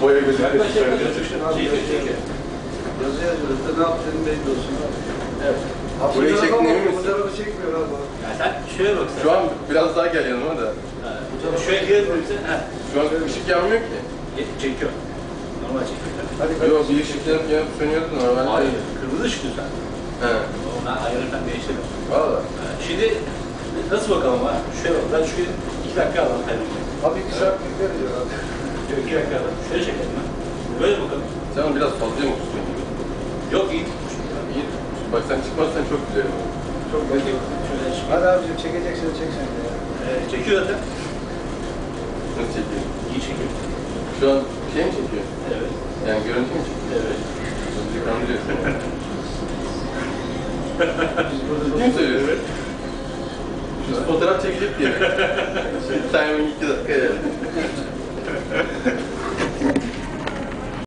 boya gözüküyor. Yazı yazıyoruz da ne yapacağını belli olsun abi. Evet. Burayı çektin emin misin? Fotoğrafı çekmiyor abi. Ya sen şöyle bak sen. Şu an biraz daha gel yanıma da. Şöyle gezdirirsen, Şu an ışık yanmıyor ki. çekiyor. Normal çekiyor. Hadi Yok bir ışık yanıp sönüyordu normalde. Hayır, kırmızı ışık lütfen. He. Ona ayarlarken değiştirmiyor. Valla. Şimdi nasıl bakalım ha? Şöyle bak, ben şu 2 dakika alalım. Abi 2 saat bekleriz ya abi. 2 dakika alalım. Şöyle çekelim ha. Böyle bakalım. Sen biraz fazla mı tutuyorsun gibi? Yok, iyi tutmuş. İyi. Bak sen çıkmazsan çok güzel olur. Çok belli. Şöyle çek. Hadi abicim çekeceksen çek sen de ya. Çekiyor zaten. Nasıl çekiyor? İyi çekiyor. Şu an şey mi çekiyor? Evet. Yani görüntü mü çekiyor? Evet. Bizi kandırıyorsun. Biz burada Kim söylüyor? Biz fotoğraf çekecek diye. Timing 2 dakika yani.